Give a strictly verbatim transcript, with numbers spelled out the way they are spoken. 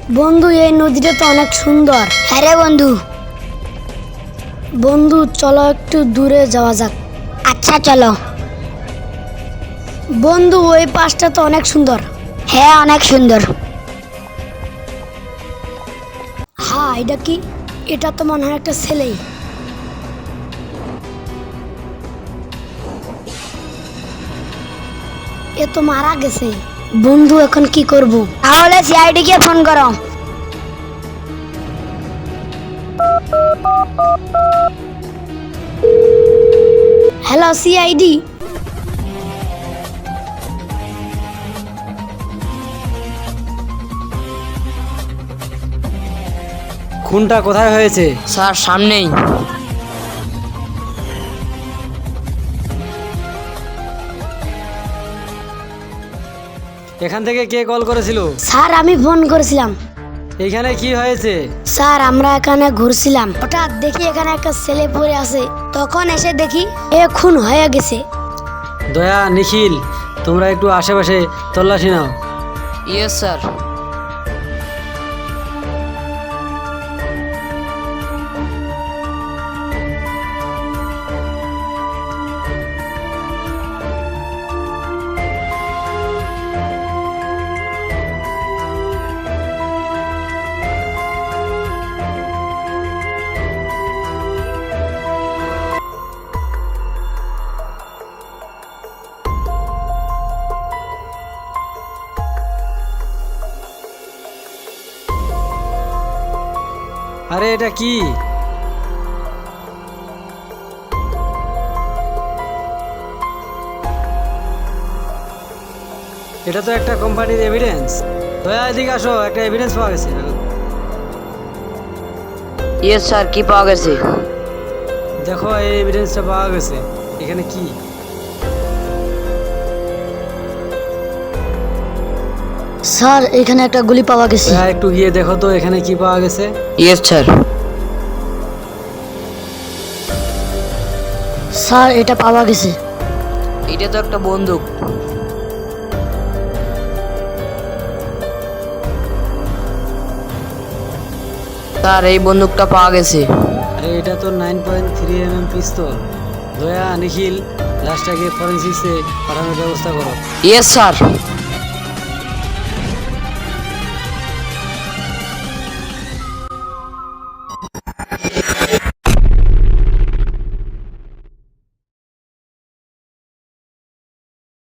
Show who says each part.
Speaker 1: বন্ধু এই নদীটা তো অনেক সুন্দর।
Speaker 2: হ্যাঁ রে বন্ধু।
Speaker 1: বন্ধু চলো একটু দূরে যাওয়া যাক।
Speaker 2: আচ্ছা চলো।
Speaker 1: বন্ধু ওই পাশটা তো অনেক সুন্দর।
Speaker 2: হ্যাঁ অনেক সুন্দর।
Speaker 1: হ্যাঁ এটা কি? এটা তো মনে হয় একটা ছেলেই। এ তো মারা গেছে। বন্ধু এখন কি করব?
Speaker 2: তাহলে সিআইডি কে ফোন করো।
Speaker 1: Hello CID.
Speaker 3: খুনটা কোথায় হয়েছে?
Speaker 4: স্যার সামনেই।
Speaker 3: এখান থেকে কে কল করেছিল?
Speaker 1: স্যার আমি ফোন করেছিলাম।
Speaker 3: এইখানে কি হয়েছে?
Speaker 1: স্যার আমরা এখানে ঘুরছিলাম, হঠাৎ দেখি এখানে একটা ছেলে পড়ে আছে। তখন এসে দেখি এ খুন হয়ে গেছে।
Speaker 3: দয়া, নিখিল, তোমরা একটু আশেপাশে তল্লাশি নাও।
Speaker 4: Yes sir.
Speaker 3: আরে এটা কি? এটা তো একটা কোম্পানির এভিডেন্স। দয়া এদিকে আসো, একটা এভিডেন্স পাওয়া গেছে।
Speaker 4: ইয়েস স্যার, কি পাওয়া গেছে?
Speaker 3: দেখো এই এভিডেন্সটা পাওয়া গেছে। এখানে কি?
Speaker 1: স্যার এখানে একটা গুলি পাওয়া গেছে।
Speaker 3: দয়া একটু গিয়ে দেখো তো এখানে কি পাওয়া গেছে।
Speaker 4: Yes sir.
Speaker 1: স্যার এটা পাওয়া গেছে।
Speaker 4: এটা তো একটা বন্দুক। স্যার এই বন্দুকটা পাওয়া গেছে।
Speaker 3: আরে এটা তো nine point three M M pistol. Daya, Nikhil, লাশটাকে ফরেন্সিক্সে পাঠানোর ব্যবস্থা করো।
Speaker 4: Yes sir.